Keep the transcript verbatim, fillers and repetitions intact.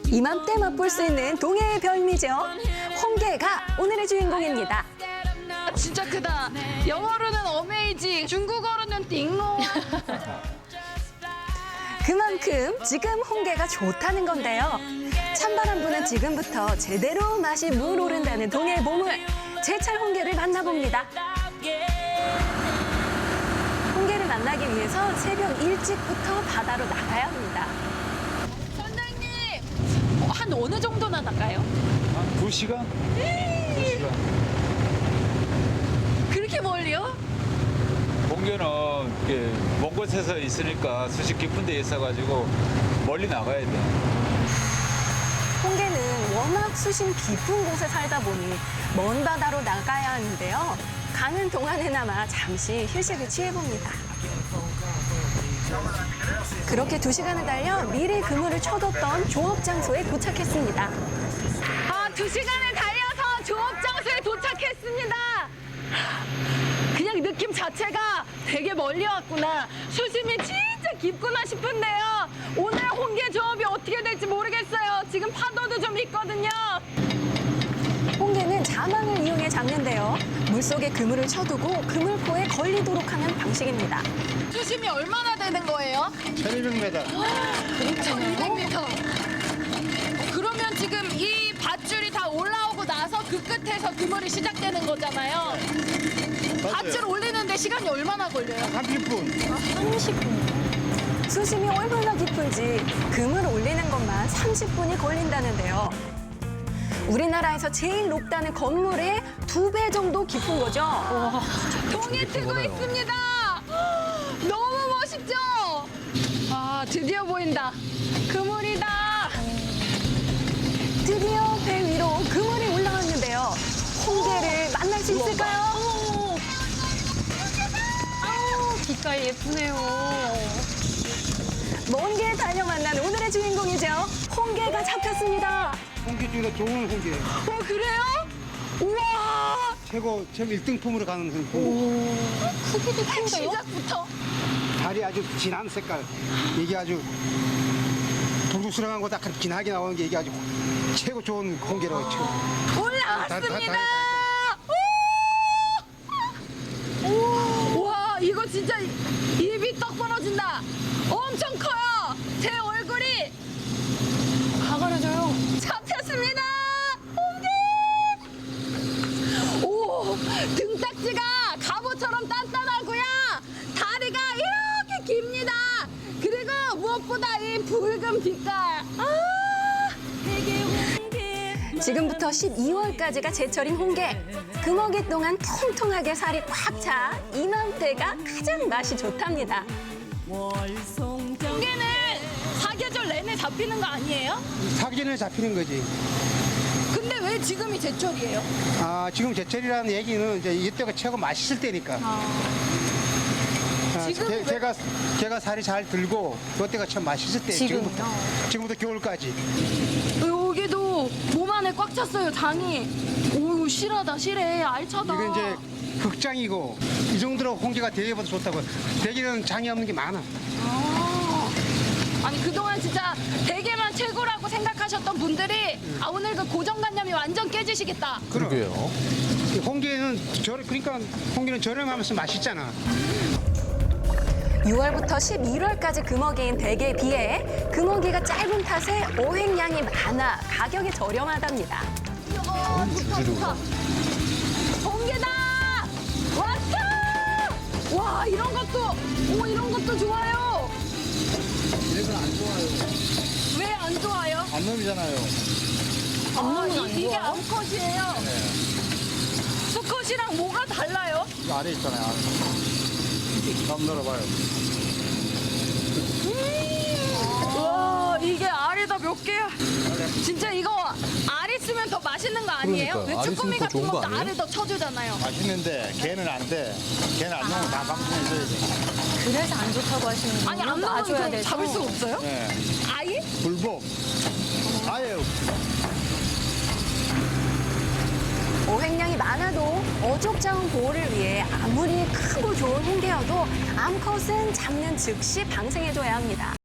이맘때 맛볼 수 있는 동해의 별미죠. 홍게가 오늘의 주인공입니다. 진짜 크다. 영어로는 어메이징, 중국어로는 띵롱. 그만큼 지금 홍게가 좋다는 건데요. 찬바람 부는 지금부터 제대로 맛이 물오른다는 동해의 보물, 제철 홍게를 만나봅니다. 홍게를 만나기 위해서 새벽 일찍부터 바다로 나가야 합니다. 선장님, 한 어느 정도나 나가요? 한 두 시간? 두 시간. 그렇게 멀리요? 홍게는 이렇게 먼 곳에서 있으니까 수심 깊은 데 있어가지고 멀리 나가야 돼. 홍게는 워낙 수심 깊은 곳에 살다 보니 먼 바다로 나가야 하는데요. 가는 동안에나마 잠시 휴식을 취해봅니다. 그렇게 두 시간을 달려 미리 그물을 쳐뒀던 조업 장소에 도착했습니다. 아, 두 시간을 달려서 조업 장소에 도착했습니다. 그냥 느낌 자체가 되게 멀리 왔구나. 수심이 진짜 깊구나 싶은데요. 오늘 홍게 조업이 어떻게 될지 모르겠어요. 지금 파도도 좀 있거든요. 홍게는 자망을 이용해 잡는데요. 물속에 그물을 쳐두고 그물포에 걸리도록 하는 방식입니다. 수심이 얼마나 되는 거예요? 천이백 미터. 천이백 미터. 그러면 지금 이 밧줄이 다 올라오고 나서 그 끝에서 그물이 시작되는 거잖아요. 밧줄 올리는데 시간이 얼마나 걸려요? 삼십 분. 삼십 분. 수심이 얼마나 깊은지 그물 올리는 것만 삼십 분이 걸린다는데요. 우리나라에서 제일 높다는 건물의 두 배 정도 깊은 거죠. 와, 동해 트고 있습니다. 너무 멋있죠? 아, 드디어 보인다. 그물이다. 드디어 배 위로 그물이 올라왔는데요. 홍게를 만날 수 있을까요? 아우, 빛깔 예쁘네요. 먼 길 달려 만난 오늘의 주인공이죠. 홍게가 잡혔습니다. 홍게 중에 좋은 홍게. 어, 그래요? 우와! 최고, 최고 일 등품으로 가는 홍게. 크기도 큰데요? 시작부터. 달이 아주 진한 색깔. 이게 아주 동죽스러운 거다 진하게 나오는 게 이게 아주 최고 좋은 홍게라고 했죠. 올라왔습니다. 오! 와, 이거 진짜 입이 떡 벌어진다. 엄청 커요. 제 얼굴이 가가려져요. 잡혔습니다. 홍게. 오, 등딱지가 갑오처럼 단단하고요. 다리가 이렇게 깁니다. 그리고 무엇보다 이 붉은 빛깔. 아! 지금부터 십이월까지가 제철인 홍게. 금어기 동안 통통하게 살이 꽉 차 이맘때가 가장 맛이 좋답니다. 홍게는 사계절 내내 잡히는 거 아니에요? 사기전에 잡히는 거지. 근데 왜 지금이 제철이에요? 아, 지금 제철이라는 얘기는 이제 이때가 최고 맛있을 때니까. 아, 지금 개, 왜- 개가, 개가 살이 잘 들고 그때가 참 맛있을 때. 지금부터. 지금부터 겨울까지. 여기도 몸 안에 꽉 찼어요, 장이. 오, 실하다, 실해, 알차다. 이건 이제 극장이고 이 정도로 홍게가 대게보다 좋다고. 대게는 장이 없는 게 많아. 아, 아니, 그동안 진짜 대게만 최고라고 생각하셨던 분들이 아, 오늘 그 고정관념이 완전 깨지시겠다. 그러게요. 홍게는 저렴, 그러니까 홍게는 저렴하면서 맛있잖아. 유월부터 십일월까지 금어기인 대게에 비해 금어기가 짧은 탓에 어획량이 많아 가격이 저렴하답니다. 어, 좋다, 좋다. 홍게다! 왔다! 와, 이런 것도, 오, 이런 것도 좋아요. 얘는 안 좋아요. 왜 안 좋아요? 암놈이잖아요. 아, 이, 이게 암컷이에요. 수컷이랑 뭐가 달라요? 이 아래 있잖아요. 한번 열어봐요. 와, 이게 알이다 몇 개야? 진짜 이거 알 있으면 더 맛있는 거 아니에요? 그러니까요. 알 왜 쭈꾸미 있으면 더 같은 좋은 거 것도 아니에요? 알을 더 쳐주잖아요. 맛있는데 걔는 안 돼. 걔는 안 넣으면 다 방송에 있어야지. 그래서 안 좋다고 하시는 아니, 안 넣으면 그럼 잡을 수가 없어요? 네. 아예? 불복. 아예 어획량이 많아도 어족자원 보호를 위해 아무리 크고 좋은 홍게여도 암컷은 잡는 즉시 방생해줘야 합니다.